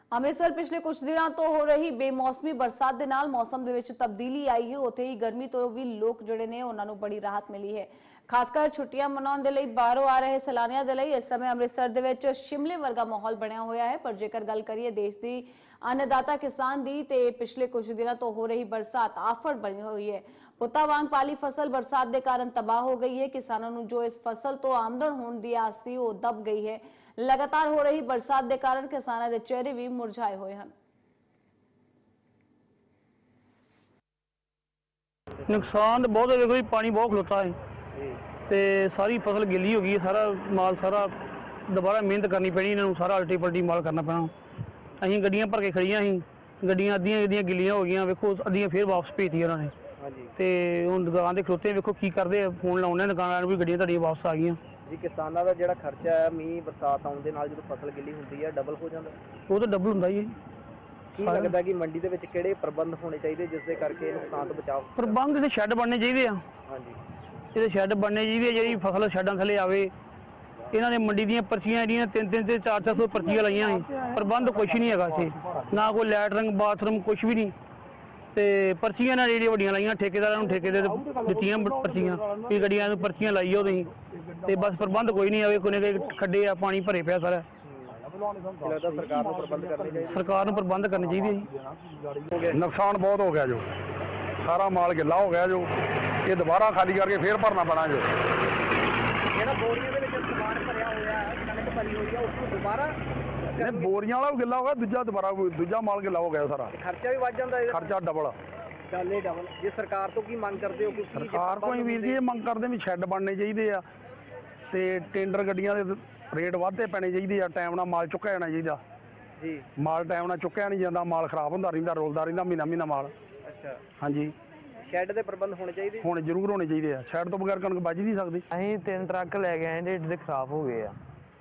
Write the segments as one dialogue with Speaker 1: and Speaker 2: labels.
Speaker 1: ਅੰਮ੍ਰਿਤਸਰ ਪਿਛਲੇ ਕੁਝ ਦਿਨਾਂ ਤੋਂ ਹੋ ਰਹੀ ਬੇਮੌਸਮੀ ਬਰਸਾਤ ਦੇ ਨਾਲ ਮੌਸਮ ਦੇ ਵਿੱਚ ਤਬਦੀਲੀ ਆਈ ਹੈ। ਉੱਥੇ ਹੀ ਗਰਮੀ ਤੋਂ ਵੀ ਲੋਕ ਜਿਹੜੇ ਨੇ ਉਹਨਾਂ ਨੂੰ ਬੜੀ ਰਾਹਤ ਮਿਲੀ ਹੈ। ਖਾਸ ਕਰ ਛੁੱਟੀਆਂ ਮਨਾਉਣ ਦੇ ਲਈ ਬਾਹਰੋਂ ਆ ਰਹੇ ਸੈਲਾਨੀਆਂ ਦੇ ਲਈ ਇਸ ਸਮੇਂ ਅੰਮ੍ਰਿਤਸਰ ਦੇ ਵਿੱਚ ਸ਼ਿਮਲੇ ਵਰਗਾ ਮਾਹੌਲ ਬਣਿਆ ਹੋਇਆ ਹੈ। ਪਰ ਜੇਕਰ ਗੱਲ ਕਰੀਏ ਦੇਸ਼ ਦੀ अन्नदाता किसान दी ते पिछले कुछ दिनों तो हो रही बरसात आफत बनी हुई है। पुत्ता वांग पाली फसल बरसात के कारण तबाह हो गई है। किसानों को जो इस फसल तो आमदन होने दी आस सी वो दब गई है। लगातार हो रही बरसात के कारण किसानों के चेहरे भी मुरझाए हुए हैं।
Speaker 2: नुकसान बहुत है, देखो पानी बहुत खलोता है ते सारी फसल गिली हो गई, सारा माल सारा दोबारा मेहनत करनी पैनी, इन्होंने सारा अल्टी पल्टी माल करना पैना। ਅਸੀਂ ਗੱਡੀਆਂ ਭਰ ਕੇ ਖੜੀਆਂ ਸੀ, ਗੱਡੀਆਂ ਅੱਧੀਆਂ ਗਿੱਲੀਆਂ ਹੋ ਗਈਆਂ, ਵੇਖੋ ਅੱਧੀਆਂ ਫੇਰ ਵਾਪਸ ਭੇਜਤੀਆਂ ਉਹਨਾਂ ਨੇ। ਹਾਂਜੀ ਤੇ ਹੁਣ ਦੁਕਾਨ ਦੇ ਖਲੋਤੇ ਵੇਖੋ ਕੀ ਕਰਦੇ ਆ, ਫੋਨ ਲਾਉਂਦੇ ਦੁਕਾਨਾਂ ਨੂੰ ਵੀ ਗੱਡੀਆਂ ਤੁਹਾਡੀਆਂ ਵਾਪਸ ਆ ਗਈਆਂ
Speaker 3: ਜੀ। ਕਿਸਾਨਾਂ ਦਾ ਜਿਹੜਾ ਖਰਚਾ ਹੈ ਮੀਂਹ ਬਰਸਾਤ ਆਉਣ ਦੇ ਨਾਲ ਜਦੋਂ ਫਸਲ ਗਿੱਲੀ ਹੁੰਦੀ ਹੈ ਡਬਲ ਹੋ ਜਾਂਦਾ,
Speaker 2: ਉਹ ਤਾਂ ਡਬਲ ਹੁੰਦਾ ਹੀ ਹੈ।
Speaker 3: ਕੀ ਲੱਗਦਾ ਕਿ ਮੰਡੀ ਦੇ ਵਿੱਚ ਕਿਹੜੇ ਪ੍ਰਬੰਧ ਹੋਣੇ ਚਾਹੀਦੇ ਜਿਸ ਦੇ ਕਰਕੇ ਨੁਕਸਾਨ ਤੋਂ ਬਚਾਅ?
Speaker 2: ਪ੍ਰਬੰਧ ਤੇ ਸ਼ੈੱਡ ਬਣਨੇ ਚਾਹੀਦੇ ਆ। ਹਾਂਜੀ ਇਹਦੇ ਸ਼ੈੱਡ ਬਣਨੇ ਚਾਹੀਦੇ, ਜਿਹੜੀ ਫਸਲ ਸ਼ੈੱਡਾਂ ਥੱਲੇ ਆਵੇ। ਇਹਨਾਂ ਨੇ ਮੰਡੀ ਦੀਆਂ ਪਰਚੀਆਂ ਜਿਹੜੀਆਂ 300 ਤੇ 400 ਪਰਚੀਆਂ ਲਾਈਆਂ ਨੇ, ਪ੍ਰਬੰਧ ਕੁਛ ਨਹੀਂ ਹੈਗਾ ਇੱਥੇ, ਨਾ ਕੋਈ ਲੈਟਰਿੰਗ ਬਾਥਰੂਮ ਕੁਛ ਵੀ ਨਹੀਂ। ਤੇ ਪਰਚੀਆਂ ਨਾਲ ਜਿਹੜੀਆਂ ਵੱਡੀਆਂ ਲਾਈਆਂ ਠੇਕੇਦਾਰਾਂ ਨੂੰ, ਠੇਕੇ ਦੇ ਦਿੱਤੀਆਂ ਪਰਚੀਆਂ ਵੀ ਗੱਡੀਆਂ ਨੂੰ ਪਰਚੀਆਂ ਲਾਈਓ ਤੁਸੀਂ, ਤੇ ਬਸ ਪ੍ਰਬੰਧ ਕੋਈ ਨਹੀਂ ਆਵੇ। ਕੋਈ ਖੱਡੇ ਆ, ਪਾਣੀ ਭਰੇ ਪਿਆ ਸਾਰਾ।
Speaker 3: ਸਰਕਾਰ ਨੂੰ ਪ੍ਰਬੰਧ ਕਰਨੇ ਚਾਹੀਦੇ,
Speaker 2: ਸਰਕਾਰ ਨੂੰ ਪ੍ਰਬੰਧ ਕਰਨੇ ਚਾਹੀਦੇ।
Speaker 4: ਨੁਕਸਾਨ ਬਹੁਤ ਹੋ ਗਿਆ ਜੋ, ਸਾਰਾ ਮਾਲ ਗਿੱਲਾ ਹੋ ਗਿਆ ਜੋ, ਇਹ ਦੁਬਾਰਾ ਖਾਲੀ ਕਰਕੇ ਫੇਰ ਭਰਨਾ ਪੈਣਾ ਜੋ।
Speaker 3: ਜਿਹੜਾ ਬੋਰੀਆਂ ਦੇ ਵਿੱਚ ਸਮਾਨ ਭਰਿਆ ਹੋਇਆ ਹੈ, ਕਣਕ ਭਰੀ ਹੋਈ ਹੈ, ਉਸ ਨੂੰ ਦੁਬਾਰਾ
Speaker 4: ਬੋਰੀਆਂ ਵਾਲਾ ਵੀ ਗਿੱਲਾ ਹੋ ਗਿਆ, ਦੂਜਾ ਮਾਲ ਗਿੱਲਾ ਹੋ ਗਿਆ ਸਾਰਾ।
Speaker 3: ਖਰਚਾ ਵੀ ਵੱਧ ਜਾਂਦਾ,
Speaker 4: ਖਰਚਾ ਡਬਲ।
Speaker 3: ਡਬਲ। ਜੇ ਸਰਕਾਰ ਤੋਂ ਕੀ ਮੰਗ ਕਰਦੇ ਹੋ?
Speaker 4: ਸਰਕਾਰ ਕੋਈ ਵੀਰ ਜੀ ਇਹ ਮੰਗ ਕਰਦੇ ਵੀ ਸ਼ੈੱਡ ਬਣਨੇ ਚਾਹੀਦੇ ਆ, ਤੇ ਟੈਂਡਰ ਗੱਡੀਆਂ ਦੇ ਰੇਟ ਵਾਧੇ ਪੈਣੇ ਚਾਹੀਦੇ ਆ, ਟਾਈਮ ਨਾਲ ਮਾਲ ਚੁੱਕਿਆ ਜਾਣਾ ਚਾਹੀਦਾ ਜੀ। ਮਾਲ ਟਾਈਮ ਨਾਲ ਚੁੱਕਿਆ ਨਹੀਂ ਜਾਂਦਾ, ਮਾਲ ਖਰਾਬ ਹੁੰਦਾ ਰਹਿੰਦਾ, ਰੋਲਦਾ ਰਹਿੰਦਾ ਮਹੀਨਾ ਮਾਲ। ਅੱਛਾ ਹਾਂਜੀ, ਸ਼ੈੱਡ ਦੇ ਪ੍ਰਬੰਧ ਹੋਣੇ ਚਾਹੀਦੇ, ਹੁਣ ਜ਼ਰੂਰ ਹੋਣੇ ਚਾਹੀਦੇ ਆ। ਸ਼ੈੱਡ ਤੋਂ ਬਗੈਰ ਕਣਕ ਬਚ ਨਹੀਂ ਸਕਦੀ।
Speaker 5: ਅਸੀਂ 3 ਟਰੱਕ ਲੈ ਕੇ ਆਏ ਜਿਹੜੇ ਖਰਾਬ ਹੋ ਗਏ ਆ।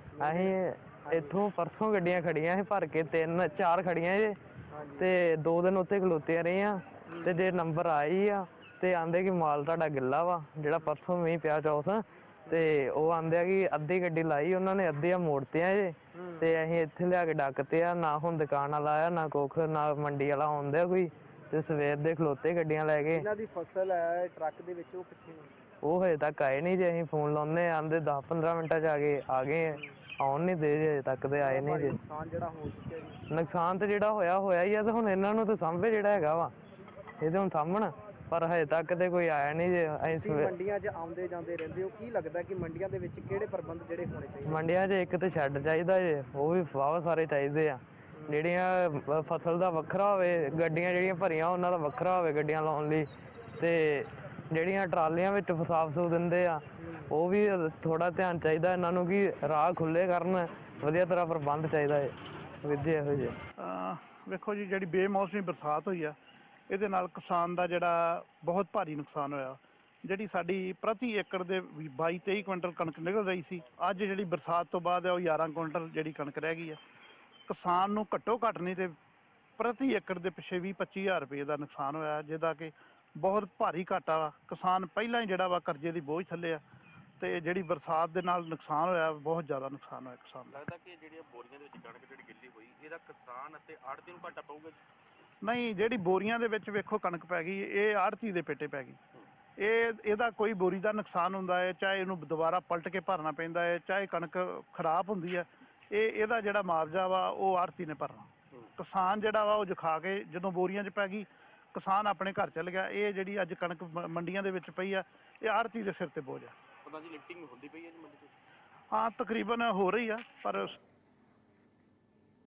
Speaker 5: ਅਸੀਂ ਇੱਥੋਂ ਪਰਸੋਂ ਗੱਡੀਆਂ ਖੜੀਆਂ ਸੀ ਭਰ ਕੇ, 3-4 ਖੜੀਆਂ ਜੇ, ਤੇ 2 ਦਿਨ ਉੱਥੇ ਖਲੋਤੇ ਰਹੇ ਆ। ਤੇ ਜੇ ਨੰਬਰ ਆਈ ਆ ਤੇ ਆਂਦੇ ਕਿ ਮਾਲ ਤੁਹਾਡਾ ਗਿੱਲਾ ਵਾ, ਜਿਹੜਾ ਪਰਸੋਂ ਮੀਂਹ ਪਿਆ ਚੌਥ, ਤੇ ਉਹ ਆਂਦੇ ਆ ਕਿ ਅੱਧੀ ਗੱਡੀ ਲਾਈ ਉਹਨਾਂ ਨੇ, ਅੱਧੀਆਂ ਮੋੜਤੀਆਂ ਜੇ, ਤੇ ਅਸੀਂ ਇੱਥੇ ਲਿਆ ਕੇ ਡੱਕਤੇ ਆ। ਨਾ ਹੁਣ ਦੁਕਾਨ ਵਾਲਾ ਆਇਆ, ਨਾ ਕੁੱਖ, ਨਾ ਮੰਡੀ ਵਾਲਾ ਆਉਂਦਾ ਕੋਈ, ਤੇ ਸਵੇਰ ਦੇ ਖਲੋਤੇ ਗੱਡੀਆਂ ਲੈ ਕੇ।
Speaker 3: ਇਹਨਾਂ ਦੀ ਫਸਲ ਹੈ ਟਰੱਕ ਦੇ ਵਿੱਚ, ਉਹ ਕਿੱਥੇ?
Speaker 5: ਉਹ ਹਜੇ ਤੱਕ ਆਏ ਨਹੀਂ ਜੇ। ਅਸੀਂ ਫੋਨ ਲਾਉਂਦੇ ਆਂਦੇ 10-15 ਮਿੰਟਾਂ 'ਚ ਆ ਗਏ, ਆਉਣ ਨਹੀਂ ਦੇ ਜੇ, ਤੱਕ ਤੇ ਆਏ ਨਹੀਂ ਜੇ।
Speaker 3: ਨੁਕਸਾਨ ਜਿਹੜਾ ਹੋ ਚੁੱਕਿਆ ਜੀ,
Speaker 5: ਨੁਕਸਾਨ ਤੇ ਜਿਹੜਾ ਹੋਇਆ ਹੀ ਆ, ਤੇ ਹੁਣ ਇਹਨਾਂ ਨੂੰ ਤਾਂ ਸਾਂਭੇ ਜਿਹੜਾ ਹੈਗਾ ਵਾ, ਇਹਦੇ ਹੁਣ ਸਾਂਭਣ, ਪਰ ਹਜੇ ਤੱਕ ਤੇ ਕੋਈ ਆਇਆ ਨਹੀਂ ਜੇ। ਅਸੀਂ
Speaker 3: ਮੰਡੀਆਂ 'ਚ ਆਉਂਦੇ ਜਾਂਦੇ ਰਹਿੰਦੇ ਹੋ, ਕੀ ਲੱਗਦਾ ਕਿ ਮੰਡੀਆਂ ਦੇ ਵਿੱਚ ਕਿਹੜੇ ਪ੍ਰਬੰਧ ਜਿਹੜੇ ਹੋਣੇ ਚਾਹੀਦੇ?
Speaker 5: ਮੰਡੀਆਂ 'ਚ ਇੱਕ ਤੇ ਸ਼ੈੱਡ ਚਾਹੀਦਾ ਜੇ, ਉਹ ਵੀ ਵਾਹਵਾ ਸਾਰੇ ਚਾਹੀਦੇ ਆ। ਜਿਹੜੀਆਂ ਫਸਲ ਦਾ ਵੱਖਰਾ ਹੋਵੇ, ਗੱਡੀਆਂ ਜਿਹੜੀਆਂ ਭਰੀਆਂ ਉਹਨਾਂ ਦਾ ਵੱਖਰਾ ਹੋਵੇ ਗੱਡੀਆਂ ਲਾਉਣ ਲਈ, ਤੇ ਜਿਹੜੀਆਂ ਟਰਾਲੀਆਂ ਵਿੱਚ ਸਾਫ਼ ਸੂਫ ਦਿੰਦੇ ਆ ਉਹ ਵੀ ਥੋੜਾ ਧਿਆਨ ਚਾਹੀਦਾ ਇਹਨਾਂ ਨੂੰ, ਕਿ ਰਾਹ ਖੁੱਲੇ ਕਰਨ, ਵਧੀਆ ਤਰ੍ਹਾਂ ਪ੍ਰਬੰਧ ਚਾਹੀਦਾ ਹੈ ਵਿਧੀ ਇਹੋ ਜਿਹੇ।
Speaker 4: ਵੇਖੋ ਜੀ, ਜਿਹੜੀ ਬੇਮੌਸਮੀ ਬਰਸਾਤ ਹੋਈ ਆ, ਇਹਦੇ ਨਾਲ ਕਿਸਾਨ ਦਾ ਜਿਹੜਾ ਬਹੁਤ ਭਾਰੀ ਨੁਕਸਾਨ ਹੋਇਆ। ਜਿਹੜੀ ਸਾਡੀ ਪ੍ਰਤੀ ਏਕੜ ਦੇ 22-23 ਕੁਇੰਟਲ ਕਣਕ ਨਿਕਲ ਰਹੀ ਸੀ, ਅੱਜ ਜਿਹੜੀ ਬਰਸਾਤ ਤੋਂ ਬਾਅਦ ਉਹ 11 ਕੁਇੰਟਲ ਜਿਹੜੀ ਕਣਕ ਰਹਿ ਗਈ ਹੈ। ਕਿਸਾਨ ਨੂੰ ਘੱਟੋ ਘੱਟ ਨਹੀਂ ਤੇ ਪ੍ਰਤੀ ਏਕੜ ਦੇ ਪਿੱਛੇ 20-25 ਹਜ਼ਾਰ ਰੁਪਏ ਦਾ ਨੁਕਸਾਨ ਹੋਇਆ, ਜਿਹਦਾ ਕਿ ਬਹੁਤ ਭਾਰੀ ਘਾਟਾ ਵਾ। ਕਿਸਾਨ ਪਹਿਲਾਂ ਹੀ ਜਿਹੜਾ ਵਾ ਕਰਜ਼ੇ ਦੀ ਬੋਝ ਥੱਲੇ ਆ, ਤੇ ਜਿਹੜੀ ਬਰਸਾਤ ਦੇ ਨਾਲ ਨੁਕਸਾਨ ਹੋਇਆ, ਬਹੁਤ ਜ਼ਿਆਦਾ ਨੁਕਸਾਨ ਹੋਇਆ ਕਿਸਾਨ ਦਾ।
Speaker 6: ਲੱਗਦਾ ਕਿ ਜਿਹੜੀਆਂ ਬੋਰੀਆਂ ਦੇ ਵਿੱਚ ਕਣਕ ਜਿਹੜੀ ਗਿੱਲੀ ਹੋਈ, ਇਹਦਾ ਕਿਸਾਨ ਅਤੇ ਆੜ੍ਹਤੀ ਨੂੰ ਘਾਟਾ ਪਊਗਾ?
Speaker 4: ਨਹੀਂ, ਜਿਹੜੀ ਬੋਰੀਆਂ ਦੇ ਵਿੱਚ ਵੇਖੋ ਕਣਕ ਪੈ ਗਈ, ਇਹ ਆੜ੍ਹਤੀ ਦੇ ਪੇਟੇ ਪੈ ਗਈ। ਇਹਦਾ ਕੋਈ ਬੋਰੀ ਦਾ ਨੁਕਸਾਨ ਹੁੰਦਾ ਹੈ, ਚਾਹੇ ਇਹਨੂੰ ਦੁਬਾਰਾ ਪਲਟ ਕੇ ਭਰਨਾ ਪੈਂਦਾ ਹੈ, ਚਾਹੇ ਕਣਕ ਖਰਾਬ ਹੁੰਦੀ ਹੈ, ਇਹਦਾ ਜਿਹੜਾ ਮੁਆਵਜ਼ਾ ਵਾ ਉਹ ਆੜ੍ਹਤੀ ਨੇ ਭਰਨਾ। ਕਿਸਾਨ ਜਿਹੜਾ ਵਾ ਉਹ ਜਖਾ ਕੇ ਜਦੋਂ ਬੋਰੀਆਂ 'ਚ ਪੈ ਗਈ, ਕਿਸਾਨ ਆਪਣੇ ਘਰ ਚਲ ਗਿਆ। ਇਹ ਜਿਹੜੀ ਅੱਜ ਕਣਕ ਮੰਡੀਆਂ ਦੇ ਵਿੱਚ ਪਈ ਆ, ਇਹ ਆੜ੍ਹਤੀ ਦੇ ਸਿਰ ਤੇ ਬੋਝ ਆ।
Speaker 6: ਉਹਨਾਂ ਦੀ ਲਿਫਟਿੰਗ ਹੁੰਦੀ ਪਈ ਹੈ ਜੀ ਮੰਡੀ 'ਚ?
Speaker 4: ਹਾਂ, ਤਕਰੀਬਨ ਹੋ ਰਹੀ ਆ, ਪਰ